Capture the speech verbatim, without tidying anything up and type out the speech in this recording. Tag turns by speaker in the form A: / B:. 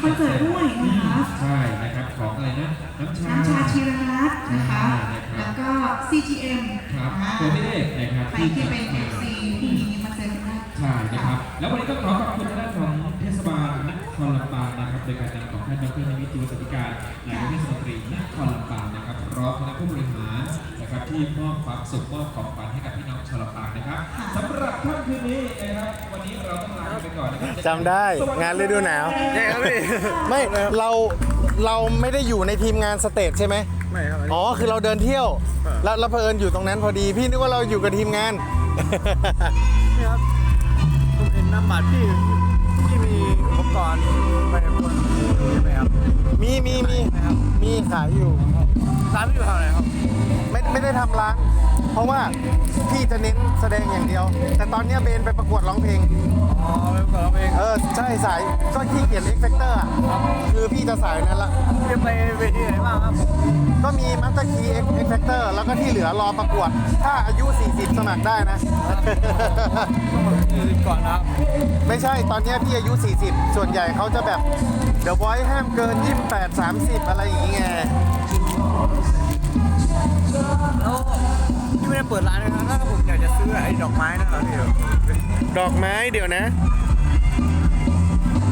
A: อนเสิร์ตด้วยนะคะ
B: ใช่นะครับของอะไรนะน้ำชา
A: น้ำชาชีรรัตน์นะคะแล้วก็ ซี จี เอ็ม
B: ครับตัวเลขนะครับ
A: ใครที่เป็น เอฟ ซี ที่นี้มาเจอกันได้
B: ใช่นะครับแล้ววันนี้ก็ขอขอบคุณทางด้านของเทศบาลนครลำปางนะครับโดยการนำของท่านดรนิมิตร จิวสติการนายกเทศมนตรีนครลำปางนะครับพร้อมคณะผู้บริหารนะครับที่มอบความสุขมอบของขวัญให้กับพี่น้องชาวลำปางนะครับสำหรับค่ำคืนนี้นะครับวันนี้เราต้องลาไปก่อนนะครับ
C: จำได้งานฤดูหนาวไม่เราเราไม่ได้อยู่ในทีมงานสเตจใช่ไหม
D: ไม่ครับ
C: อ๋อคือเราเดินเที่ยวแล้วเราเพลินอยู่ตรงนั้นพอดีพี่นึกว่าเราอยู่กับทีมงาน
D: นี่ครับผมเห็นน้ำบัตรที่ที่มีอุปกรณ์ไปบนใช่ไหมครับ
C: มีมีมีมีขายอยู่
D: ร้านไม่อยู่แถวไหนครับ
C: ไม่ไม่ได้ทำร้านเพราะว่าพี่จะเน้นแสดงอย่างเดียวแต่ตอนนี้เบนไปประกวดร้องเพลง
D: อ๋อไปประกวดร้องเพลง
C: เออใช่สายก็ที่เขียนเอ็กเฟกเตอร์คือพี่จะสายนั้นละ
D: จะไปเวทีไหนบ้างครับ
C: ก็มีมัตเตอร์คีเอ็กเฟกเตอร์แล้วก็ที่เหลือรอประกวดถ้าอายุสี่สิบสมัครได้นะ
D: ก่อนนะครับ
C: ไม่ใช่ตอนนี้พี่อายุสี่สิบส่วนใหญ่เขาจะแบบเดี๋ยวไว้ห้ามเกินยี่สิบแปด สามสิบอะไรอย่างเงี้ย
D: แล้วที่ไม่ได้เปิดร้านนะครับถ้าผมอยากจะซื้อไอ้ดอกไม้นะครับพี่
C: ดอกไม้เดี๋ยวนะ